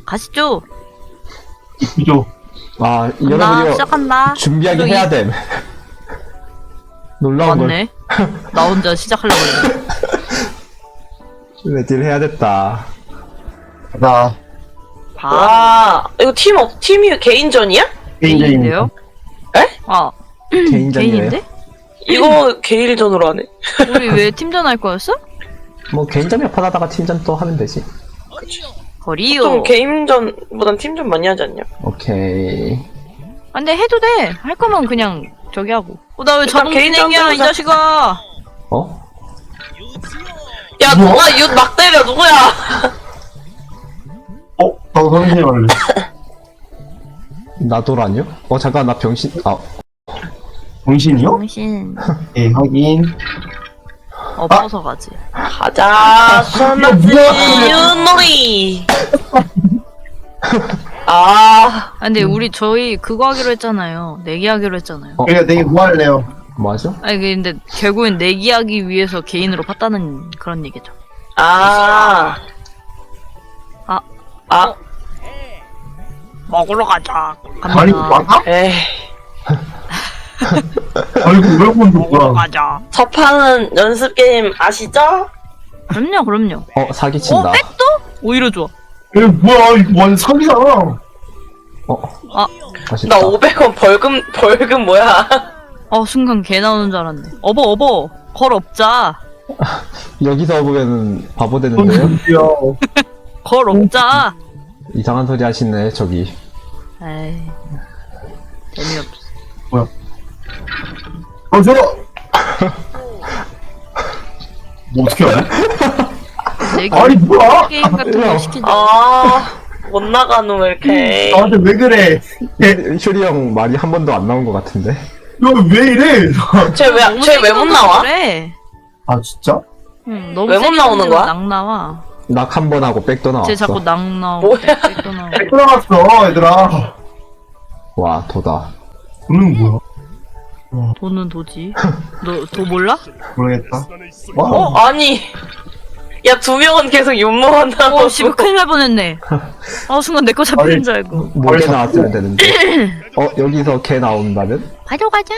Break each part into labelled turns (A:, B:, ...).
A: 가시죠.
B: 이죠.
C: 아,
A: 간다.
C: 여러분이
A: 시작한다.
C: 준비하긴 해야 됨. 놀라운 걸.
A: 맞네. 나 혼자 시작하려고 했는데.
C: 레디를 해야 됐다.
B: 나
A: 아,
D: 이거 팀이 개인전이야?
A: 개인인데요?
D: 에?
A: 아,
C: 개인전이에요?
A: 개인인데?
D: 이거 개인전으로 하네.
A: 우리 왜 팀전 할 거였어?
C: 뭐 개인전 몇 판 하다가 팀전 또 하면 되지.
A: 거리요.
D: 좀 개인전보단 팀전 많이 하지 않냐?
C: 오케이.
A: 아, 근데 해도 돼. 할 거면 그냥 저기 하고. 나 왜 자동
D: 개인전
A: 진행이야, 이
D: 해보자.
A: 자식아.
C: 어?
D: 야, 누가 이웃 막 때려, 누구야?
B: 나도 선생님 할래.
C: 나도라뇨? 잠깐, 나 병신.
B: 정신이요?
A: 당신.
B: 예, 확인.
A: 엎어서 가지.
D: 가자, 수마지 유놀이. 아,
A: 아, 근데 우리 저희 그거 하기로 했잖아요. 내기하기로 했잖아요.
B: 그러니까 되게 뭐 할래요?
C: 뭐 하죠?
A: 아니, 근데 결국엔 내기하기 위해서 개인으로 팠다는 그런 얘기죠.
D: 아.
A: 먹으러 가자.
B: 아니,
A: 갑니다.
B: 맞아?
D: 에이.
B: 아이고, 왜 본다,
A: 먹으러
B: 뭐야.
A: 가자.
D: 저 판은 연습 게임 아시죠?
A: 그럼요.
C: 사기친다.
A: 백도? 오히려 좋아.
B: 이거 뭐야, 이거 완전 사기잖아.
C: 맛있다.
D: 나 500원 벌금 뭐야?
A: 순간 개 나오는 줄 알았네. 어버. 걸 없자.
C: 여기서 보면은 바보 되는데요?
B: 뭔데요?
A: 걸 없자.
C: 이상한 소리 하시네, 저기.
A: 에이. 재미없어.
B: 뭐야? 뭐 어떻게 하냐?
A: 내기
B: 아니, 뭐야?
A: 게임 같은 거 시키자.
D: 아, 못 나가노, 왜 이렇게.
B: 나한테 왜 그래?
C: 효리 형 말이 한 번도 안 나온 것 같은데?
B: 너 왜 이래?
D: 쟤 왜 못 나와?
A: 그래.
B: 아, 진짜?
A: 응, 너무
D: 왜못
A: 세게
D: 나오는
A: 던지면
D: 거야?
A: 낙 나와.
C: 낙 한 번 하고 백도 나왔어.
A: 쟤 자꾸 낙 나오고
D: 뭐야?
A: 백도 나오고.
B: 들어갔어, 얘들아.
C: 와, 도다.
B: 돈은 뭐야?
A: 돈은 도지. 너 도 몰라?
B: 모르겠다. 와,
D: 아니. 야, 2명은 계속 윤모한다고.
A: 씨발 큰일 날 뻔했네. 순간 내 거 잡히는 줄 알고.
C: 뭐개 나왔으면 되는데. 여기서 개 나온다면?
A: 가져가자.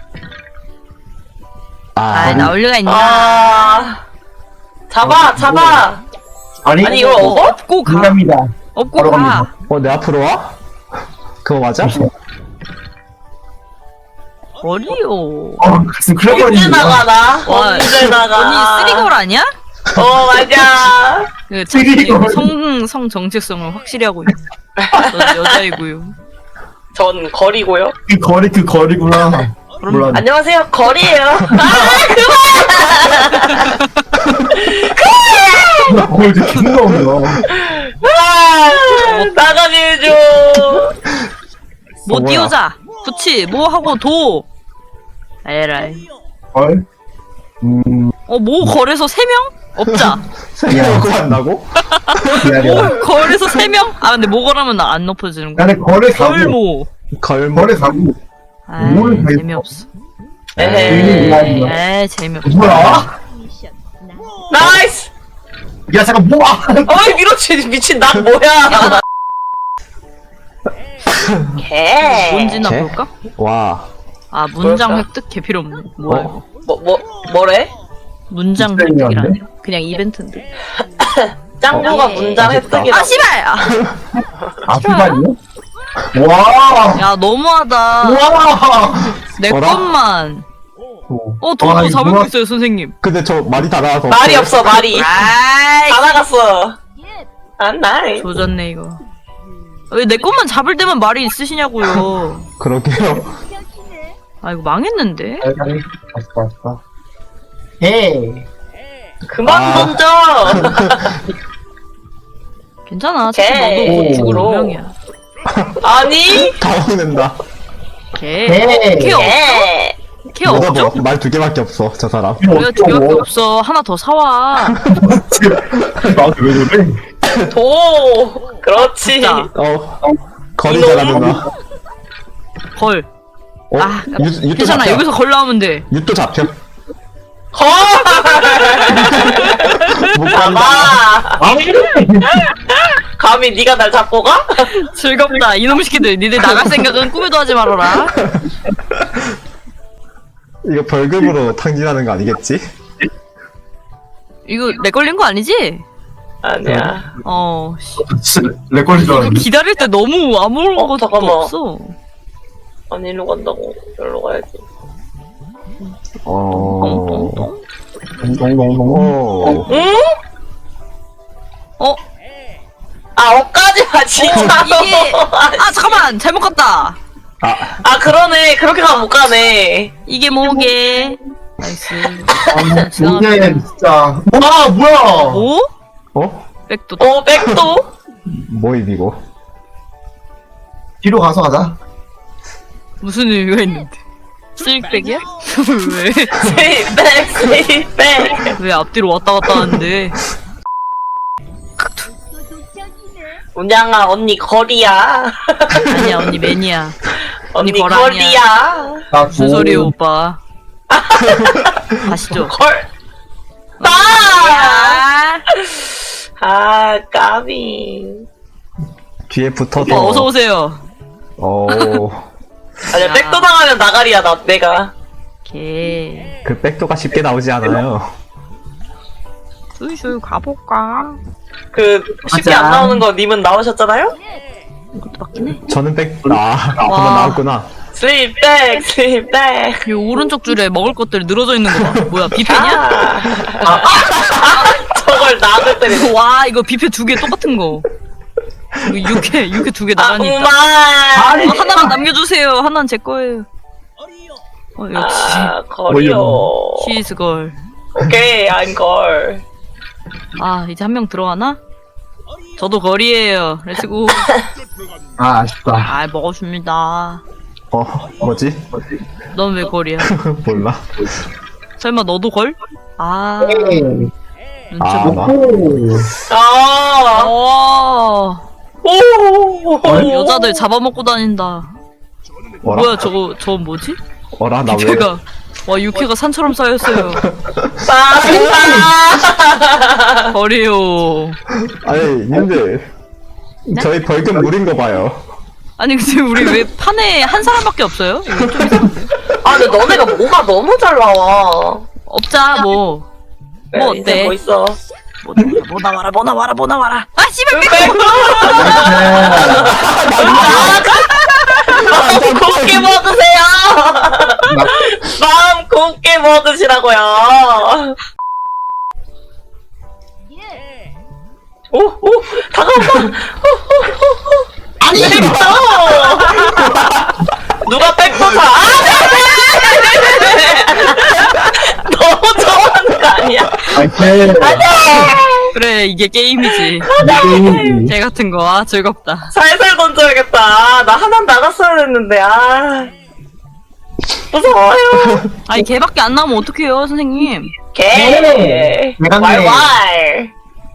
C: 아,
A: 나올 리가 있나?
D: 아. 잡아.
B: 아니,
D: 아니, 이걸 얻어?
A: 업고 가.
B: 인간입니다.
A: 업고
B: 바로
A: 가.
B: 갑니다.
C: 내 앞으로 와? 그거 맞아?
A: 어리요.
B: 가슴 큰일
D: 언제
B: 날뻔했네.
D: 나가나?
A: 와,
D: 언제 나가?
A: 언니 쓰리걸 아니야?
D: 맞아.
A: 그
B: 쓰리걸.
A: 성 정체성을 확실히 하고 있네. 저 여자이고요.
D: 전 거리고요.
B: 그 거리구나. 몰라.
D: 안녕하세요, 거리예요.
B: 뭘 이렇게 킹가 없나?
D: 나가게 해줘.
A: 뭐
C: 뭐야?
A: 띄우자. 그치. 뭐 하고 도. 에라이.
B: 헐?
A: 뭐 거래서 3명? 없자.
C: 생각하고 한다고?
B: 기다려.
A: 뭐 거래서 3명? 근데 뭐 거라면 안 높아지는 거야.
B: 나는 거래 사고.
A: 걸모.
C: 걸뭐
B: 거래 사고. 뭘 다
A: 재미없어.
D: 에헤이.
A: 재미없어.
B: 뭐야?
D: 나이스.
B: 야, 잠깐, 뭐야?
D: 어이, 밀어치, 미친, 난 뭐야. 개.
A: 뭔지나
C: 쟤?
A: 볼까?
C: 와.
A: 문장
D: 뭘까?
A: 획득 개 필요 없네. 뭐야 이거.
D: 뭐래?
A: 문장
B: 문장이 안
A: 획득이라니. 그냥 이벤트인데.
D: 짱조가 문장
C: 맛있다.
D: 획득이라.
A: 씨발!
B: 아프다니요? 와!
A: 야 너무하다.
B: 와!
A: 내
C: 어라?
A: 것만.
B: 와,
A: 더
B: 이거
A: 잡을
B: 뭐야?
A: 거 있어요 선생님.
C: 근데 저 말이 다 나와서.
D: 말이 없어, 말이.
A: 아이
D: 다 나갔어. 나이.
A: 조졌네 이거. 왜 내 것만 잡을 때만 말이 있으시냐고요.
C: 그러게요.
A: 이거 망했는데?
B: 아쉽다. 헤이.
D: 그만 던져.
A: 괜찮아. 사실
D: 개.
A: 너도 곧 죽을
D: 오.
A: 운명이야.
D: 아니.
C: 당황된다.
A: 개.
B: 헤이.
A: 개 없.
D: 개.
A: 개 없죠?
C: 말 2개밖에 없어, 저 사람.
A: 왜 2개밖에 없어. 하나 더 사와.
B: 나한테 왜 그래?
D: 도. 그렇지.
A: 자.
C: 거리
D: 이놈.
C: 잘하는 나.
A: 걸.
C: 유도
A: 괜찮아.
C: 잡혀.
A: 여기서 걸 나오면 돼.
C: 유도 잡혀.
D: 헐.
C: 못 간다.
D: 봐.
B: 아니,
D: 감히 네가 날 잡고 가?
A: 즐겁다. 이놈 새끼들. 니들 나갈 생각은 꿈에도 하지 말아라.
C: 이거 벌금으로 탕진하는 거 아니겠지?
A: 이거 내 걸린 거 아니지?
D: 아니야.
A: 씨.
B: 진짜 렉 걸린 줄
A: 이거
B: 알았는데.
A: 기다릴 때 너무 아무것도
D: 잠깐만.
A: 없어.
D: 아니 일로 간다고. 여기로 가야지.
A: 똥똥똥.
C: 오.
D: 응?
A: 어?
D: 아 엇가지 마 진짜.
A: 이게 잠깐만 잘못 갔다.
D: 아 그러네. 그렇게 가면 못 가네.
A: 이게 뭐게? 나이스.
B: 이게 진짜. 와, 뭐야!
A: 뭐?
C: 어?
A: 백도.
D: 백도?
C: 뭐임 이거?
B: 뒤로 가서 가자.
A: 무슨 의미가 있는데? 스윙백이야? 왜?
D: 세이백.
A: 왜 앞뒤로 왔다 갔다 하는데?
D: 운양아 언니 거리야.
A: 아니야 언니 매니아.
D: 언니
A: 거랑이야.
D: 거리야.
B: 나
A: 무슨 소리야 오빠? 가시죠.
D: 걸. 아 까비.
C: 뒤에
A: 오빠
C: 붙어서.
A: 어서 오세요.
C: 오.
D: 아니야 백도 당하면 나가리야 내가.
A: 개.
C: 그 백도가 쉽게 나오지 않아요.
A: 슬슬 가볼까?
D: 그 쉽게
B: 맞아.
D: 안 나오는 거 님은 나오셨잖아요?
A: 이것도 맞긴 해.
C: 저는 한번 나왔구나.
D: 슬립백 슬립백.
A: 이 오른쪽 줄에 먹을 것들이 늘어져 있는 거 봐. 뭐야 뷔페냐?
D: 저걸 나를 때리네.
A: 와 이거 뷔페 두 개 똑같은 거. 이거 육회 두 개 나란히 있다.
D: 아니
A: 하나만 남겨주세요. 하나는 제 거예요. 역시
D: 거리요.
A: 시즈걸.
D: 오케이 안걸.
A: 이제 한 명 들어가나? 저도 거리에요. 렛츠고.
B: 아, 아쉽다.
A: 먹어줍니다.
C: 뭐지?
A: 넌 왜 거리야?
C: 몰라.
A: 설마 너도 걸?
B: 에이.
A: 눈치
C: 아,
A: 못.
C: 나.
B: 오.
D: 오.
A: 여자들 잡아먹고 다닌다.
C: 뭐라?
A: 뭐야 저거 뭐지?
C: 어라, 나 왜?
A: 육회가 와 육회가 산처럼 쌓였어요. 거리요.
C: 아니, 님들. 저희 벌금 물인 거 봐요.
A: 아니 근데 우리 왜 판에 한 사람밖에 없어요? 이거 좀 이상한데?
D: 아 근데 너네가 뭐가 너무 잘 나와.
A: 없자 뭐. 뭐
D: 인생
A: 어때?
D: 뭐 있어?
A: 뭐 나와라. 아 씨발
D: 마음 곱게 먹으세요. 마음 곱게 먹으시라고요. 오 다가온다. 아니 백도. 누가 백도 사? 너무 좋아하는 거 아니야?
A: 그래 이게 게임이지. 개 같은 거 즐겁다.
D: 살살 던져야겠다. 나 하나 나갔어야 했는데 무서워요.
A: 아니 개밖에 안 나오면 어떡해요 선생님?
D: 개.
B: 내가
D: 왈왈.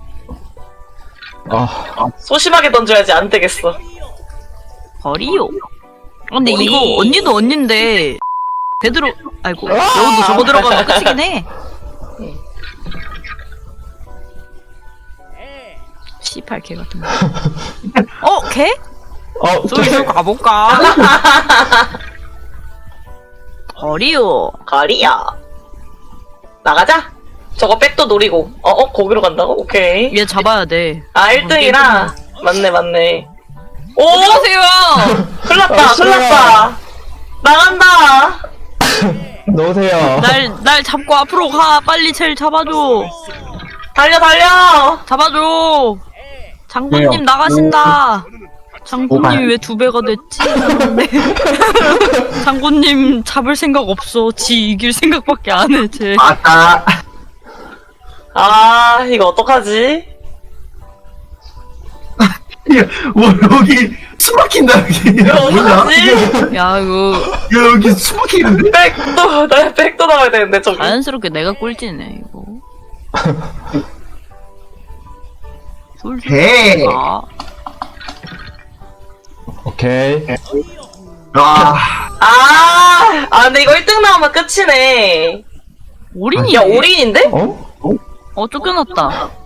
C: 아,
D: 소심하게 던져야지 안 되겠어.
A: 거리요. 근데
D: 거리.
A: 이거 언니도 언니인데 베드로 아이고 여우도 저거 들어가면 끝이긴 해. 씨팔 개 같은 거. 개? 솔솔 가볼까? 거리요.
D: 거리야. 나가자. 저거 백도 노리고. 거기로 간다고? 오케이.
A: 얘 잡아야 돼.
D: 1등이라. 맞네. 오!
A: 어서오세요.
D: 큰일났다. 나간다.
C: 넣으세요.
A: 날 잡고 앞으로 가. 빨리 쟤를 잡아줘.
D: 달려.
A: 잡아줘. 장군님
B: 왜요?
A: 나가신다. 장군님이 왜 2배가 됐지? 네. 장군님 잡을 생각 없어. 지 이길 생각밖에 안 해. 쟤.
B: 맞다.
D: 이거 어떡하지?
B: 뭐, 여기 숨 막힌다, 여기.
D: 이거
B: 뭐냐?
D: 어떡하지?
A: 야 이거
B: 야, 여기 숨 막히는데?
D: 나 백도 나와야 되는데, 저기.
A: 자연스럽게 내가 꼴찌네 이거.
B: 개.
C: 오케이.
D: 근데 이거 1등 나오면 끝이네.
A: 올인이.
D: 야, 올인인데?
C: 어?
A: 쫓겨났다.